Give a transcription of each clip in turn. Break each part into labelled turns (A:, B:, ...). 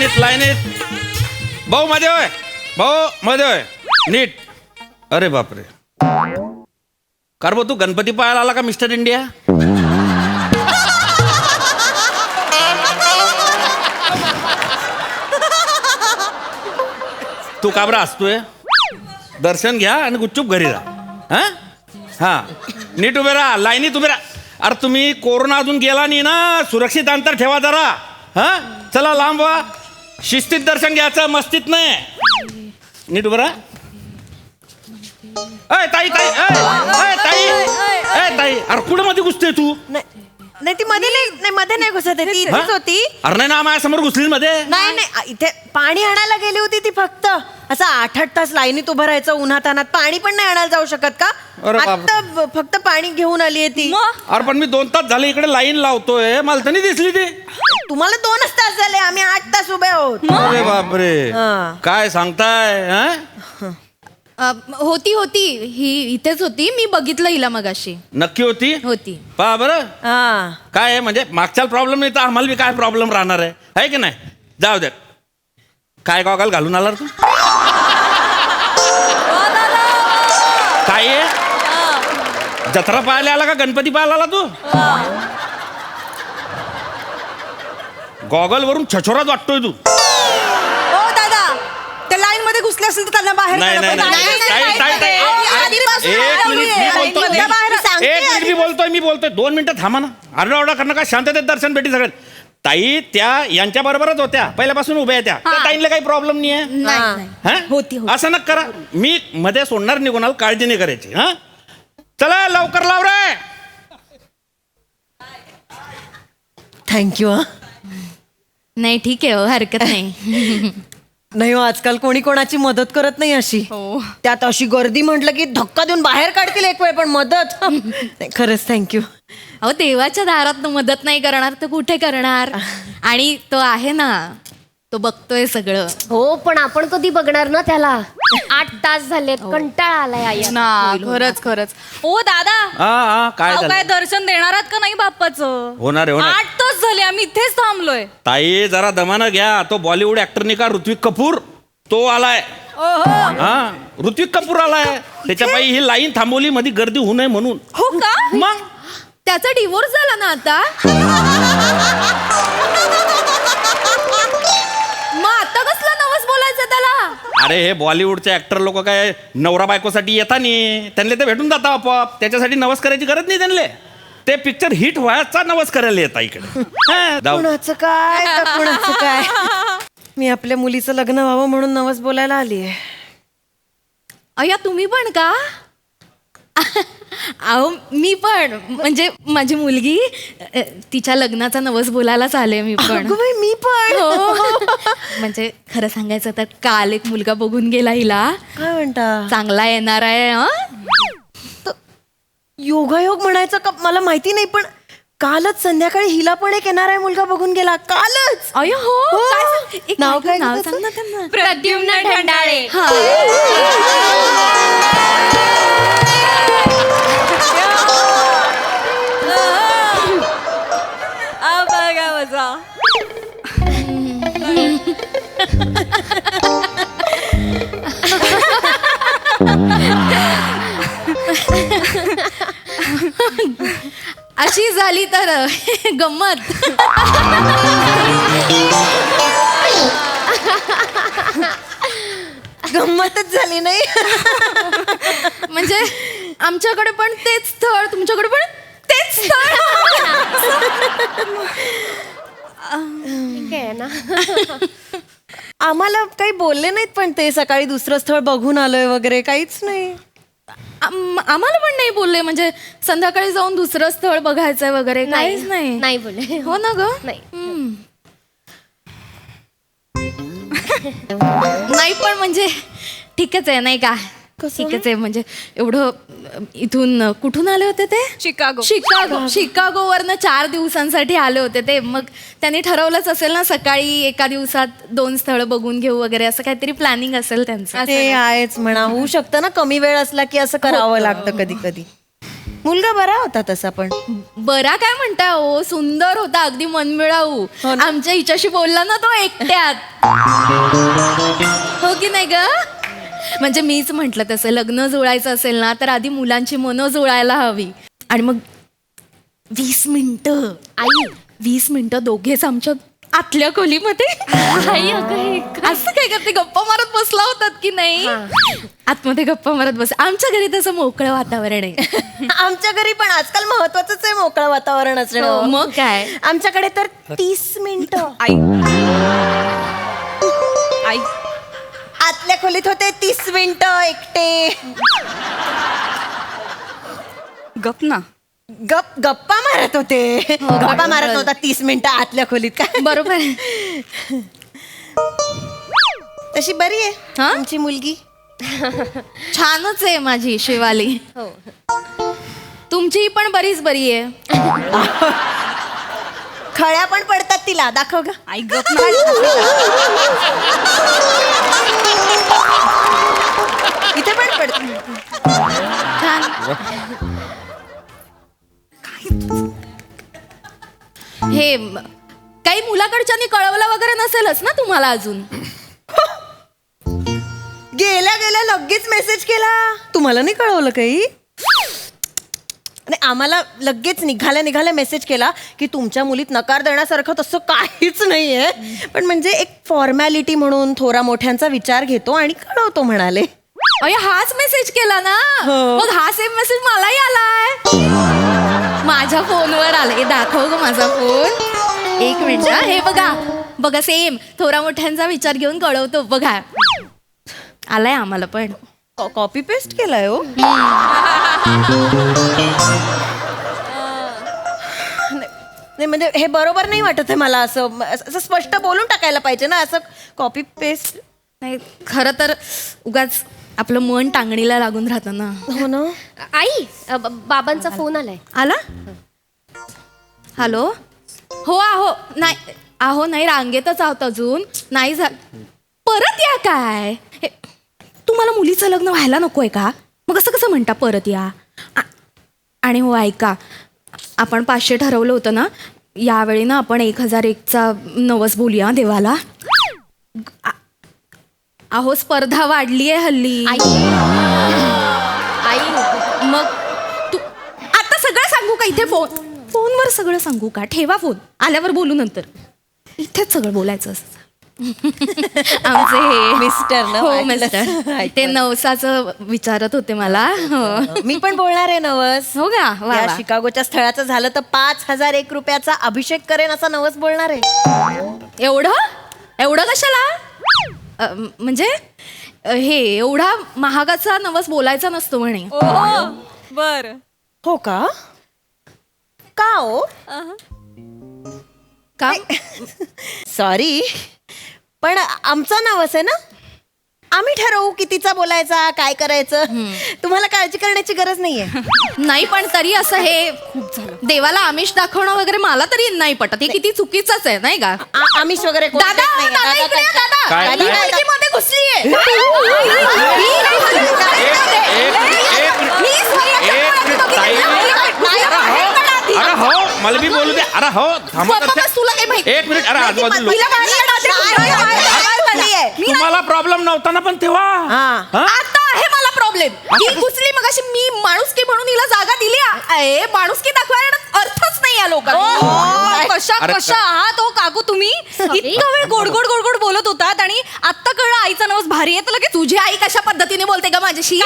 A: लाईनीत. भाऊ मध्ये होय, भाऊ मध्ये होय, नीट. अरे बापरे, कार भाऊ तू गणपती पाहायला आला का मिस्टर इंडिया? तू का बरं असतोय? दर्शन घ्या आणि गुपचूप घरी राहा. हा नीट उभे राहा, लाईनीत उभे राहा. अरे तुम्ही कोरोना अजून गेला नाही ना, सुरक्षित अंतर ठेवा जरा. हा चला लांब व्हा, शिस्तीत दर्शन घ्यायचं, मस्तीत नाही. नीट उभे राहा. अय ताई ताई, अय ताई, अय ताई, अरे कुठं मध्ये घुसते तू?
B: नाही ती मध्ये नाही, मध्ये नाही घुसत आहे, ती इथेच होती.
A: अरे नाही ना, माझ्यासमोर घुसली मध्ये.
B: नाही इथे पाणी आणायला गेली होती ती. फक्त असं 8-8 तास लाईनीत उभं राहायचं उन्हात अनात. पाणी पण नाही आणायला जाऊ शकत का?
A: अरे बाप.
B: आता फक्त पाणी घेऊन आली आहे ती.
A: अरे पण मी 2 तास झाले इकडे लाईन लावतोय, मला तर नाही दिसली ती.
B: तुम्हाला 2च तास झाले, आम्ही 8 तास उभे आहोत.
A: अरे बापरे,
B: हा.
A: काय सांगताय?
C: होती ही इथेच होती, मी बघितलं हिला मगाशी.
A: नक्की होती?
C: होती.
A: पहा बरं
B: हा.
A: काय आहे, म्हणजे मागच्या प्रॉब्लेम नाही तर आम्हाला बी काय प्रॉब्लेम राहणार आहे की नाही? जाऊ दे. काय गॉगल घालून आला तू? काय आहे? जत्रा पाहायला आला का गणपती पाहायला आला तू? गॉगल वरून छछोरात वाटतोय तू.
B: ओ दादा, त्या लाईन मध्ये घुसले असेल तर त्यांना बाहेर
A: नाही,
B: काढा.
A: नाही, नाही,
B: नाही,
A: ताई,
B: नाही,
A: ताई,
B: नाही,
A: ताई.
B: नाही, आधीपासून
A: एक
B: लावली
A: मिनिट,
B: आहे.
A: मी बोलतो.
B: लाईनमधल्या बाहेर सांगते
A: एक मिनिट
B: आधी.
A: मी बोलतोय 2 मिनिटं थांबा ना. आरडाओरडा करणं का, शांततेत दर्शन भेटी सगळ्यात. ताई त्या यांच्या बरोबरच होत्या, पहिल्यापासून उभ्या आहेत त्या. त्या ताईंना काही प्रॉब्लेम नाही आहे.
C: नाही. होती.
A: असं नका करा, मी मध्ये सोडणार नाही कोणाला, काळजी नाही करायची. हा चला लवकर लाव रे.
B: थँक्यू.
C: नाही ठीक आहे, हरकत नाही.
B: नाही हो, आजकाल कोणी कोणाची मदत करत नाही अशी. त्यात अशी गर्दी म्हटलं की धक्का देऊन बाहेर काढतील एक वेळ, पण मदत नाही. खरंच थँक्यू.
C: अहो देवाच्या दारात मदत नाही करणार तर कुठे करणार? आणि तो आहे ना, तो बघतोय सगळं.
D: हो, पण आपण कधी बघणार ना त्याला? 8 तास झालेत, कंटाळा आलाय आई.
E: ना खरंच. ओ दादा,
A: हा काय
E: अहो, काय
A: झालं?
E: दर्शन देणार आहात का नाही बाप्पाचं?
A: होणार आहे, होणार.
E: 8 तास झाले आम्ही इथेच थांबलोय.
A: ताई जरा दमानं घ्या. तो बॉलिवूड ऍक्टर नाही का, ऋत्विक कपूर, तो आलाय. हा ऋत्विक कपूर आलाय, त्याच्या पायी ही लाईन थांबवली मध्ये गर्दी होऊ नये म्हणून.
E: हो का?
A: मग
C: त्याचा डिवोर्स झाला ना आता. मग आता कसला नवस बोलायचं त्याला?
A: अरे हे बॉलिवूडचे ऍक्टर लोक काय नवरा बायकोसाठी येता नाही, त्यांना ते भेटून जाता आपोआप. त्याच्यासाठी नवस करायची गरज नाही त्यांना. ते पिक्चर हिट व्हायचा नवस करायला येता इकडे.
B: कुणाचं काय तर कुणाचं काय. मी आपल्या मुलीचं लग्न व्हावं म्हणून नवस बोलायला आली आहे.
C: अय्या तुम्ही पण का? अहो मी पण, म्हणजे माझी मुलगी, तिच्या लग्नाचा नवस बोलायलाच आले मी पण.
B: अगं बाई, मी पण.
C: हो. म्हणजे खरं सांगायचं तर काल एक मुलगा बघून गेला हिला.
B: काय म्हणता?
C: चांगला येणार आहे.
B: योगायोग म्हणायचं का मला माहिती नाही, पण कालच संध्याकाळी हिला पण एक येणार आहे मुलगा बघून गेला. कालच.
C: अय्या हो.
B: हो.
C: काय सांग- एक
B: नाव काय
C: नाव
B: त्याचं?
C: सांग ना त्यांना.
E: प्रद्युम्न ढंडाळे. बघा मजा.
C: अशी झाली तर गंमत.
B: गंमतच झाली नाही.
C: म्हणजे आमच्याकडे पण तेच स्थळ, तुमच्याकडे पण तेच स्थळ.
D: ठीक आहे ना.
B: आम्हाला काही बोलले नाहीत, पण ते सकाळी दुसरं स्थळ बघून आलोय वगैरे काहीच नाही.
C: आम्हाला पण नाही बोलले, म्हणजे संध्याकाळी जाऊन दुसरं स्थळ बघायचंय वगैरे काहीच नाही.
D: नाही बोले.
C: हो ना ग.
D: नाही.
C: नाही पण म्हणजे ठीकच आहे नाही का? ठीकच आहे, म्हणजे एवढं इथून कुठून आले होते ते? शिकागोवरनं 4 दिवसांसाठी आले होते ते. मग त्यांनी ठरवलंच असेल ना, सकाळी एका दिवसात 2 स्थळं बघून घेऊ वगैरे, असं काहीतरी प्लॅनिंग असेल त्यांचं.
B: ते आहेच म्हणा. होऊ शकतं ना, कमी वेळ असला की असं करावं लागतं कधी कधी. मुलगा बरा होता तसा, पण
C: बरा काय म्हणताय हो, सुंदर होता, अगदी मनमिळाऊ. आमच्या हिच्याशी बोलला ना तो एकट्यात. हो की नाही ग? म्हणजे मीच म्हंटल तसं लग्न जुळायचं असेल ना तर आधी मुलांची मनं जुळायला हवी. आणि मग 20 मिनिटं 20 मिनिटं दोघेच आमच्या आतल्या खोलीमध्ये असं काय करते, गप्पा मारत बसला होतात की नाही? आतमध्ये गप्पा मारत बस. आमच्या घरी तसं मोकळं वातावरण आहे.
B: आमच्या घरी पण आजकाल महत्वाचंच आहे मोकळं वातावरण असणं.
C: मग काय,
B: आमच्याकडे तर 30 मिनिटं
E: आई
B: आतल्या खोलीत होते 30 मिनिटं एकटे.
E: गप ना.
B: गप्पा मारत होते. गप्पा मारत होता 30 मिनिटं आतल्या खोलीत. काय
C: बरोबर.
B: तशी बरी आहे
C: हा?
B: आमची मुलगी.
C: छानच आहे माझी शिवाली. तुमची पण बरीच बरी आहे.
B: खळ्या पण पडतात तिला. दाखव ग.
E: आई गप ना.
B: इथे पण पडत.
C: छान. हे काही मुलाकडच्यानी कळवलं वगैरे नसेलच ना तुम्हाला अजून?
B: गेल्या गेल्या लगेच मेसेज केला. तुम्हाला नाही कळवलं काही? आणि आम्हाला लगेच निघाल्या मेसेज केला की तुमच्या मुलीत नकार देण्यासारखं तसं काहीच नाहीये, पण म्हणजे एक फॉर्मॅलिटी म्हणून थोरा मोठ्यांचा विचार घेतो आणि कळवतो म्हणाले.
C: अरे हाच मेसेज केला ना? मग हा सेम मेसेज मलाही आलाय. माझ्या फोनवर आलाय. दाखव ग माझा फोन. एक मिनिट. हे बघा बघा, सेम थोरा मोठ्यांचा विचार घेऊन कळवतो. बघा आलाय आम्हाला पण.
B: कॉपी पेस्ट केलाय हो. नाही म्हणजे हे बरोबर नाही वाटत आहे मला. असं स्पष्ट बोलून टाकायला पाहिजे ना. असं कॉपी पेस्ट
C: नाही, खरं तर उगाच आपलं मन टांगणीला लागून राहतं ना.
B: हो ना.
D: आई बाबांचा फोन आलाय.
C: आला? हॅलो. हो आहो. नाही आहो नाही, रांगेतच आहोत अजून. नाही परत या काय? तुम्हाला मुलीचं लग्न व्हायला नकोय का? मग असं कसं म्हणता परत या? आणि हो ऐका, आपण 500 ठरवलं होतं ना, यावेळी ना आपण 1001चा नवस बोलूया देवाला. अहो स्पर्धा वाढली आहे हल्ली.
D: आई
C: मग तू आता सगळं सांगू का इथे? फोनवर सगळं सांगू का? ठेवा फोन, आल्यावर बोलू नंतर. इथेच सगळं बोलायचं असतं. आमचे हे
B: मिस्टर ना.
C: हो मिस्टर, ते नवसाचं विचारत होते मला. हो.
B: मी पण बोलणार आहे नवस.
C: हो का? वा
B: या
C: वा.
B: शिकागोच्या स्थळाचं झालं तर 5001 रुपयाचा अभिषेक करेन असा नवस बोलणार आहे.
C: एवढं कशाला? म्हणजे हे एवढा महागाचा नवस बोलायचा नसतो म्हणे.
E: बर.
B: हो का? का हो?
C: का?
B: सॉरी, पण आमचा नवस आहे ना. आम्ही ठरवू कितीचा बोलायचा, काय करायचं. तुम्हाला काळजी करण्याची गरज नाहीये.
C: नाही, पण तरी असं हे देवाला आमिष दाखवणं वगैरे मला तरी नाही पटत. हे किती चुकीचंच आहे नाही का?
B: आमिष वगैरे कोण
C: दादा,
B: देत नाही.
C: दादा, इकडे या, दादा.
A: काय?
C: ही मुलगीमध्ये घुसलीये.
A: अरे हो, मला बी बोलू दे. अरे हो, थांबा दर्शन.
C: तुला काही माहिती?
A: एक मिनिट. अरे आजूबाजूला तुम्हाला प्रॉब्लेम नव्हता ना पण तेव्हा? हा?
C: आता आहे मला प्रॉब्लेम. ही घुसली मग अशी मी माणुसकी म्हणून हिला जागा दिली. माणुसकी दाखवायला अर्थच नाही या लोकांना.
E: कशा
A: अरे
E: कशा आहात हो काकू तुम्ही? इतका वेळ गोड गोड गोड गोड बोलत होतात आणि आत्ता कळलं आईचा नवस भारी आहे. तर लगेच
C: तुझी आई कशा पद्धतीने बोलते का माझ्याशी?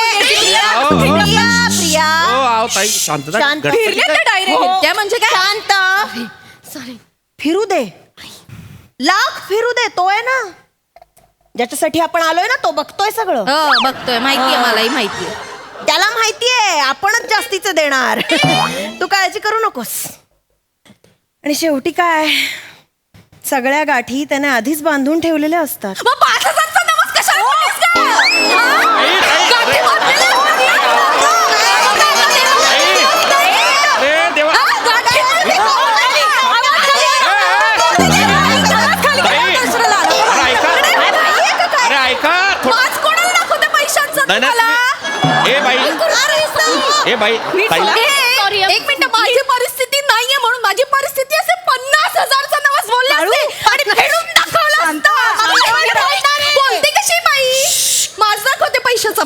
B: प्रिया
A: हो, आहो ताई, शांतता.
B: शांत.
A: गडबड.
E: फिरले तर डायरेक्ट.
B: हो.
C: त्या म्हणजे काय?
B: शांत. सॉरी. फिरू दे. लाख फिरू दे. तो आहे ना ज्याच्यासाठी आपण आलोय ना, तो बघतोय सगळं.
C: हो बघतोय, माहितीये, मलाही माहितीये.
B: त्याला माहितीये आपणच जास्तीचं देणार. तू काळजी करू नकोस. आणि शेवटी काय, सगळ्या गाठी त्याने आधीच बांधून ठेवलेल्या असतात.
C: मग 5000चा नवस कशाला बोललीस का? गाठी बांधलेल्या
A: अरे देवा. अरे ऐका थोडं.
C: पाच कोणाला दाखवते पैशांचं
A: नाही, नाही,
C: तुम्हाला?
A: ए बाई, ए बाई, ताई.
C: एक मिनिट, माझी परिस्थिती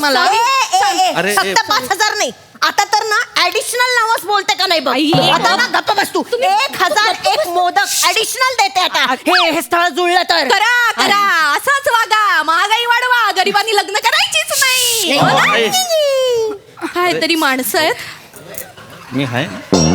C: मला
A: अरे,
B: फक्त 5,000 नाही, आता तर ना ऍडिशनल नवस बोलते का नाही बघ.
C: आई,
B: आता ना गप्प बस तू. 1,001 मोदक ऍडिशनल देते आता. हे स्थळ जुळलं तर.
C: करा करा असाच वागा, महागाई वाढवा, गरिबांनी लग्न करायचीच नाही. हो ना?
A: आई,
C: काय तरी माणसं आहेत.
A: मी आहे.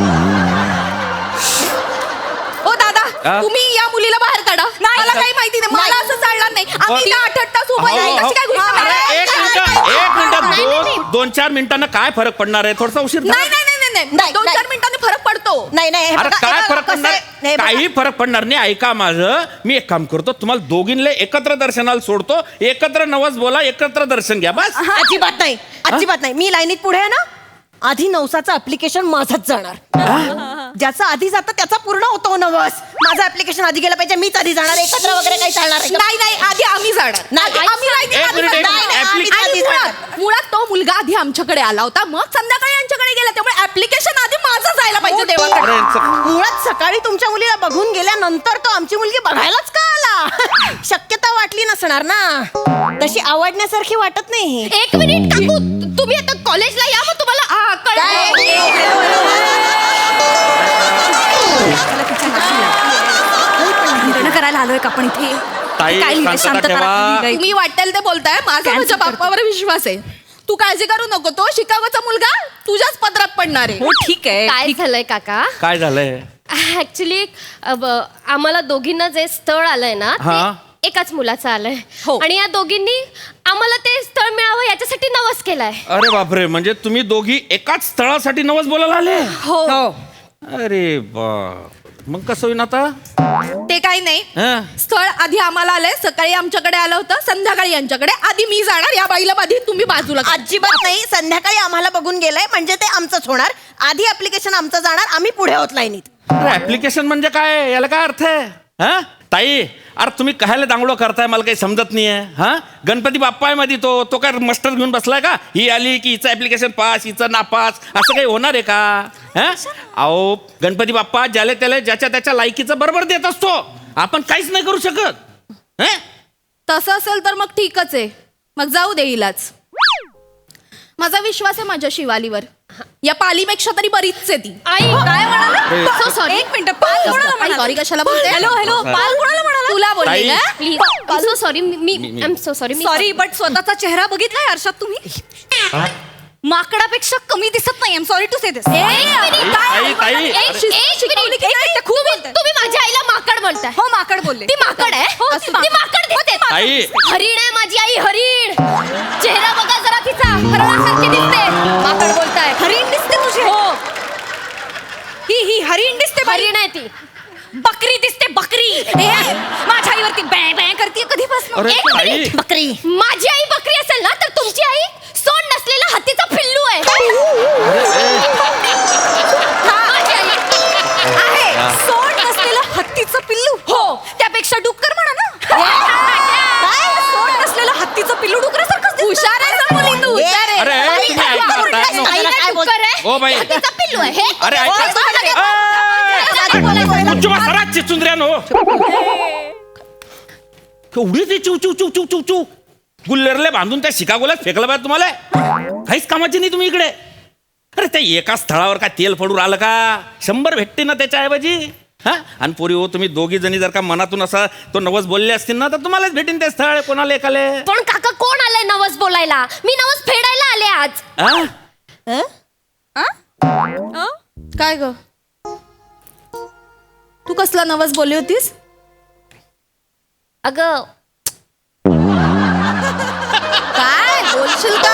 C: ओ दादा,
A: हा?
C: तुम्ही या मुलीला बाहेर काढा. मला काही माहिती नाही, मला असं चालणार नाही. आम्ही इथं 8 तास उभं
A: हो,
C: आहे.
A: हो.
C: कशी काय गोष्ट
A: अरे,
C: करणार?
A: एक मिनिटात 2-4 मिनिटांना काय फरक पडणार आहे? थोडासा उशीर झाला.
C: नाही नाही नाही नाही
B: नाही,
C: 2-4
B: नाही.
C: मिनिटांनी फरक पडतो.
B: नाही नाही हे
A: अरे
B: बघा,
A: काय
B: हे बघा,
A: फरक
B: कसं
A: पडणार
B: आहे, हे बघा.
A: काही फरक पडणार नाही. ऐका माझं, मी एक काम करतो, तुम्हाला दोघींना एकत्र दर्शनाला सोडतो, एकत्र नवस बोला, एकत्र दर्शन घ्या बस.
B: अजिबात नाही, अजिबात नाही. मी लाईनीत पुढे आहे ना, आधी नवसाचं ऍप्लिकेशन माझंच जाणार. ज्याचा आधी जातं त्याचा पूर्ण होतो नवस. माझं ऍप्लिकेशन आधी गेलं पाहिजे, मीच आधी जाणार. एकत्र वगैरे काही चालणार नाही.
C: नाही नाही आधी आम्ही जाणार.
B: नाही,
C: आम्ही लाईनीत
A: एक
C: आधी
A: मिनिट, एक
C: जाणार.
A: मिनिट.
C: नाही, नाही,
A: ऍप्लिकेशन
C: आणि मुळात तो मुलगा आधी आमच्याकडे आला होता, मग संध्याकाळी यांच्याकडे गेला, त्यामुळे ऍप्लिकेशन आधी माझं जायला पाहिजे देवाकडे.
A: अरे, यांचं-
B: मुळात सकाळी तुमच्या मुलीला बघून गेल्यानंतर तो आमची मुलगी बघायलाच का आला? शक्यता वाटली नसणार ना, तशी आवडण्यासारखी वाटत नाही.
D: एक मिनिट काकू, तुम्ही आता कॉलेजला या, मग तुम्हाला
E: लग्न करायला आलोय का आपण इथे?
A: ताई,
E: काय लिहिलंय?
A: शांतता
E: शांतता
A: ठेवा.
E: राखली
C: तुम्ही वाटेल ते बोलताय, माझा
E: Cancel
C: माझ्या
E: करतो.
C: बाप्पावर विश्वास आहे. तू काळजी करू नको, तो शिकागोचा मुलगा तुझ्याच पदरात पडणार आहे.
E: हो ठीक आहे.
D: काय झालंय काका?
A: काय झालंय?
D: ऍक्च्युली आम्हाला दोघींना जे स्थळ आलंय ना,
A: हा.
D: ते एकाच मुलाचं आलंय.
E: हो.
D: आणि या दोघींनी आम्हाला ते स्थळ मिळावं याच्यासाठी नवस केलाय.
A: अरे बापरे, म्हणजे तुम्ही दोघी एकाच स्थळासाठी नवस बोलायला आले?
E: हो
A: अरे बाप, मग कसं होईन आता?
C: ते काही नाही.
A: हं?
C: स्थळ आधी आम्हाला आलंय, सकाळी आमच्याकडे आलं होतं, संध्याकाळी यांच्याकडे. आधी मी जाणार, या बाईला आधी तुम्ही बाजूला करा.
B: अजिबात नाही. संध्याकाळी आम्हाला बघून गेलंय म्हणजे ते आमचंच होणार. आधी ऍप्लिकेशन आमचं जाणार, आम्ही पुढे होत लाईनीत.
A: अरे ऍप्लिकेशन म्हणजे काय? याला काय अर्थ आहे? हा ताई, अरे तुम्ही कायला दांगडो करताय, मला काही समजत नाहीये. हा, गणपती बाप्पा आहे मध्ये, तो काय मस्टर घेऊन बसलाय का? ही आली की हिचं ऍप्लिकेशन पास, हिचं नापास, असं काही होणार आहे का? हा, अहो गणपती बाप्पा ज्याला त्याला ज्याच्या त्याच्या लायकीचं बरोबर देत असतो. आपण काहीच नाही करू शकत. हं?
C: तसं असेल तर मग ठीकच आहे, मग जाऊ दे हिलाच. माझा विश्वास आहे माझ्या शिवालीवर. या पालीपेक्षा तरी बरीच आहे ती.
D: आई
C: काय म्हणाला?
A: अरे,
C: So sorry.
E: एक मिनिट, पाल कोणाला म्हणाला?
C: सॉरी कशाला बोलते?
E: हॅलो हॅलो, पाल कोणाला म्हणाला?
C: तुला बोलले
A: ताई.
C: का?
D: Please, so sorry. मी I am so sorry.
E: Sorry, but स्वतःचा चेहरा बघितलाय आरशात तुम्ही? माकडापेक्षा कमी दिसत नाही. Sorry to say this.
A: ताई, ताई.
D: तुम्ही माझ्या आईला माकड बोलताय.
E: हो माकड बोलले.
D: ती माकड आहे.
E: हो,
D: ती माकड दिसते.
A: ताई.
D: हरिण आहे माझी आई, हरिण. चेहरा बघा जरा तिचा, हरणासारखी दिसते. माकड बोलताय.
E: हरिण दिसते तुझे?
D: हो,
E: ही हरिण दिसते.
D: हरिण आहे ती.
E: बकरी दिसते, बकरी. माझ्या आईवरती बॅ बॅ करते कधीपासून.
A: अरे
D: एक
A: ताई,
D: मिनिट.
B: बकरी.
D: माझी आई बकरी असेल ना, तर तुमची आई सोंड नसलेला हत्तीचा पिल्लू आहे. माझी आई.
E: आहे सोड नसलेलं हत्तीचं पिल्लू.
D: हो.
E: त्यापेक्षा डुक्कर म्हणा ना. काय सोड नसलेलं हत्तीचं पिल्लू डुकरासारखंच दिसतं.
C: हुशार आहे ना मुली तू, हुशार आहे.
A: अरे
B: ताई,
A: तुम्ही
B: ताई,
A: ऐका,
B: ताई,
A: ताई, नो.
B: ताई, काय बोल-
D: डुक्कर आहे.
A: O by.
D: हत्तीचा पिल्लू आहे. हे
A: अरे
D: हो,
A: ऐका. सरा चिचुंद्र्यानो, केवढी ती चिव चिव चिव चिव चिव चिव गुल्लरले बांधून त्या शिकागोल्यात फेकलं पाहिजे तुम्हाला. काहीच कामाची नाही तुम्ही इकडे. अरे त्या एका स्थळावर काय तेल पडून आलं का? 100 भेटते ना त्याच्याऐवजी. हा, आणि पोरी हो, तुम्ही दोघी जणी जर का मनातून असा तो नवस बोलले असतील ना, तर तुम्हालाच भेटेन ते स्थळ. कोणाला एकाले?
D: पण काका कोण आलंय नवस बोलायला? मी नवस फेडायला आले आज.
A: हा?
C: काय ग, तू कसला नवस बोलली होतीस?
D: अगं
C: काय बोलशील का?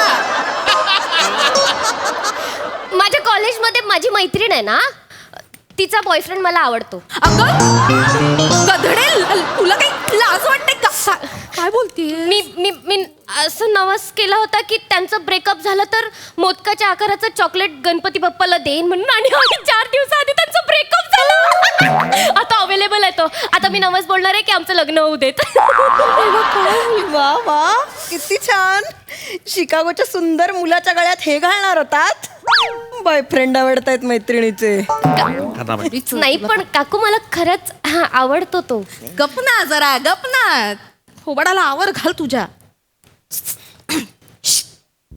D: माझ्या कॉलेजमध्ये माझी मैत्रीण आहे ना, तिचा बॉयफ्रेंड मला आवडतो.
C: अगं गधडे, तुला काही लाज वाटते का? काय बोलतीये?
D: मी मी मी असं नवस केला होता की त्यांचं ब्रेकअप झालं तर मोदकाच्या आकाराचं चॉकलेट गणपती बाप्पाला देईन म्हणून. आणि 4 दिवसाआधी त्यांचं ब्रेकअप झालं. आता अवेलेबल आहे तो. आता मी नवस बोलणार आहे की आमचं लग्न होऊ देत.
B: वा वा, किती छान. शिकागोच्या सुंदर मुलाच्या गळ्यात हे घालणार होतात. बॉयफ्रेंड आवडतायत मैत्रिणीचे.
D: नाही पण काकू मला खरंच आवडतो तो.
C: गप ना जरा, गप ना. थोबाडाला आवर घाल तुझ्या.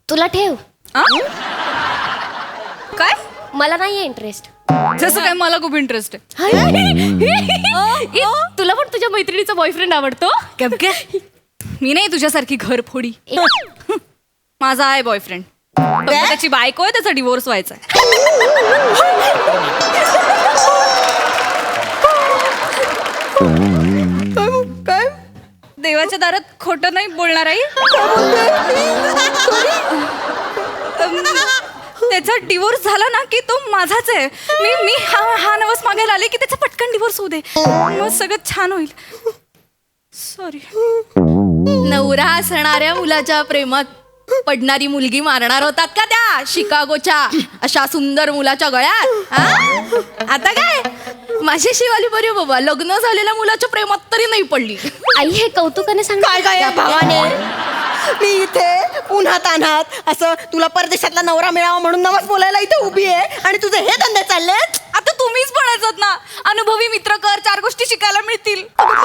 D: तुला ठेव.
E: काय
D: मला नाहीये इंटरेस्ट.
E: जसं काय मला खूप इंटरेस्ट आहे.
D: तुला पण तुझ्या मैत्रिणीचा बॉयफ्रेंड आवडतो?
E: मी नाही तुझ्यासारखी घरफोडी. माझा आहे बॉयफ्रेंड. त्याची बायको आहे, त्याचा डिवोर्स व्हायचा आहे.
B: काय
E: देवाच्या दारात खोटं नाही बोलणार आई. त्याचा डिवोर्स झाला ना की तो माझाच आहे. मी हा नवस मागायला आले की त्याचा पटकन डिवोर्स होऊ दे, मग सगळं छान होईल. सॉरी.
C: नवरा असणाऱ्या मुलाच्या प्रेमात पडणारी मुलगी मारणार होतात का त्या शिकागोच्या अशा सुंदर मुलाच्या गळ्यात? हा? आता काय माझी शिवाली बरी बाबा, लग्न झालेल्या मुलाच्या प्रेमात तरी नाही पडली.
D: आई हे कौतुकाने सांग.
B: काय काय या भावाने, मी इथे उन्हात अनात असं तुला परदेशातला नवरा मिळावा म्हणून नवस बोलायला इथे उभी आहे आणि तुझे हे धंदे चाललेत.
E: आता तुम्हीच म्हणायचं ना, अनुभवी मित्र कर, 4 गोष्टी शिकायला मिळतील.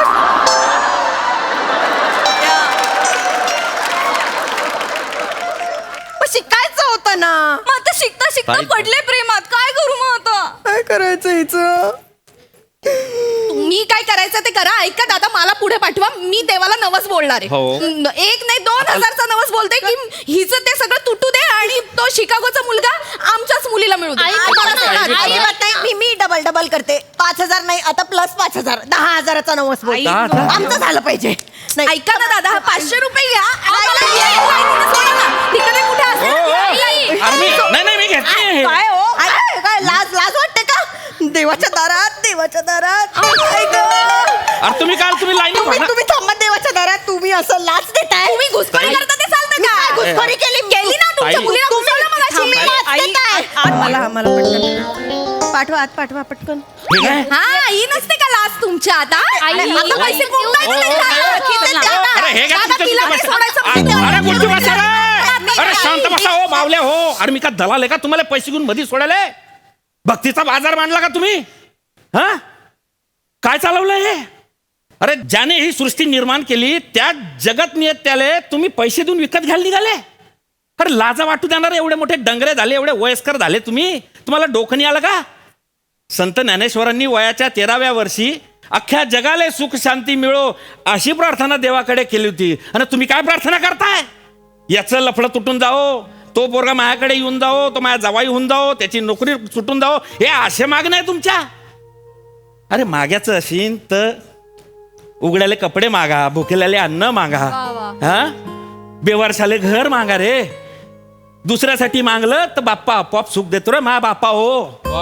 B: मग शिकायचं होतं ना.
E: मग आता शिकता शिकता
A: ताई-
E: पडले प्रेमात, काय करू मग आता?
B: काय करायचं हिचं?
C: तुम्ही काय करायचं ते करा. ऐका दादा, मला पुढे पाठवा, मी देवाला नवस बोलणार आहे.
A: हो.
C: 1 नाही 2,000चा नवस बोलते की हिचं ते सगळं तुटू दे आणि तो शिकागोचा मुलगा आमच्याच मुलीला मिळू दे.
D: आई,
C: आम्हाला
D: आई,
C: सोडा.
D: आई,
B: अजिबात नाही. मी डबल करते. 5,000 नाही, आता प्लस 5,000, 10,000चा नवस बोल.
E: आई,
B: आमचं झालं पाहिजे. नाही
C: ऐका ना दादा, 500 रुपये घ्या. आम्हाला लाईनीनं सोडा ना. तिकडे कुठे
A: हो,
C: असेल
A: हो.
C: आई.
A: अरे नाही मी घेतली.
B: काय हो काय लाज वाटते का? देवाच्या दारात काय गं?
A: अरे तुम्ही लाईन
B: तुम्ही थांबा देवाच्या दारात. तुम्ही असं लाच देताय.
C: तुम्ही घुसखोरी
A: ताई-
C: करता ते चालतं
B: मी काय
C: का?
B: घुसखोरी केली
C: ना तुमच्या
A: ताई-
C: मुलीला घुसवलं मगाशी.
B: तुम्ही लाच
E: आई-
B: देताय. मला पटकन पाठवा पटकन.
A: हे काय?
C: हा, ही नसते का लाच तुमच्या आता?
D: आई,
C: आता पैसे कोण नाही
A: हो,
C: देत
A: हो,
C: दादा.
A: हो.
C: खिसे द्या.
A: अरे हे काय
C: दादा,
A: तुमच्या
C: तिला
A: तुमच्या
C: नाही सोडायचं
A: बसा.
C: म्हणजे
A: अरे गुड्डू
C: देवाला
A: बसा रे.
C: नाही,
A: अरे शांत बसा हो मावल्या हो. अरे मी का दलाल आहे का तुम्हाला पैसे घेऊन मध्ये सोडायला? भक्तीचा बाजार मांडला का तुम्ही? हा काय चालवलंय हे? अरे ज्याने ही सृष्टी निर्माण केली त्या जगत नियत्याले तुम्ही पैसे देऊन विकत घ्यायला निघाले. अरे लाजा वाटू देणार, एवढे मोठे डंगरे झाले, एवढे वयस्कर झाले तुम्ही, तुम्हाला डोकं नाही आलं का? संत ज्ञानेश्वरांनी वयाच्या 13व्या वर्षी अख्ख्या जगाला सुख शांती मिळो अशी प्रार्थना देवाकडे केली होती. आणि तुम्ही काय प्रार्थना करताय? याचं लफडं तुटून जाओ, तो पोरगा माझ्याकडे येऊन जाओ, तो माझ्या जावाई होऊन जाओ, त्याची नोकरी सुटून जाओ, हे असे मागणं आहे तुमच्या. अरे माग्याचं असेल तर उघड्याले कपडे मागा, भुकेल्याले अन्न मागा, हा बेवारशाले घर मागा रे. दुसऱ्यासाठी मागलं तर बाप्पा आपोआप सुख देतो रे मा बाप्पा हो.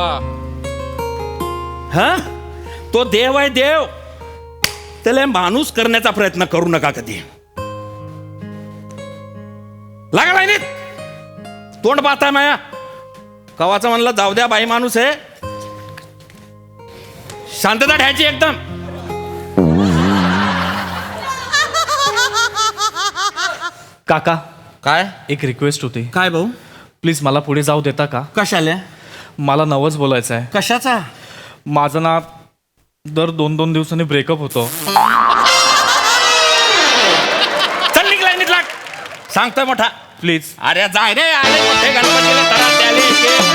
A: हा तो देव आहे देव, त्याला माणूस करण्याचा प्रयत्न करू नका कधी. लागा लाईनीत, तोंड पाहताय माया. कवाचं म्हणलं जाऊ द्या, बाई माणूस आहे, शांतता ठेवायची एकदम.
F: काका,
A: काय
F: एक रिक्वेस्ट होती.
A: काय भाऊ?
F: प्लीज मला पुढे जाऊ देता का?
A: कशाला?
F: मला नवस बोलायचं आहे.
A: कशाचा?
F: माझं ना दर 2-2 दिवसांनी ब्रेकअप होतो.
A: चल निघ लाईनीत लाग. सांगतोय मोठा.
F: प्लीज.
A: अरे जाय रे, आले मोठे गणपतीला तराटे आले.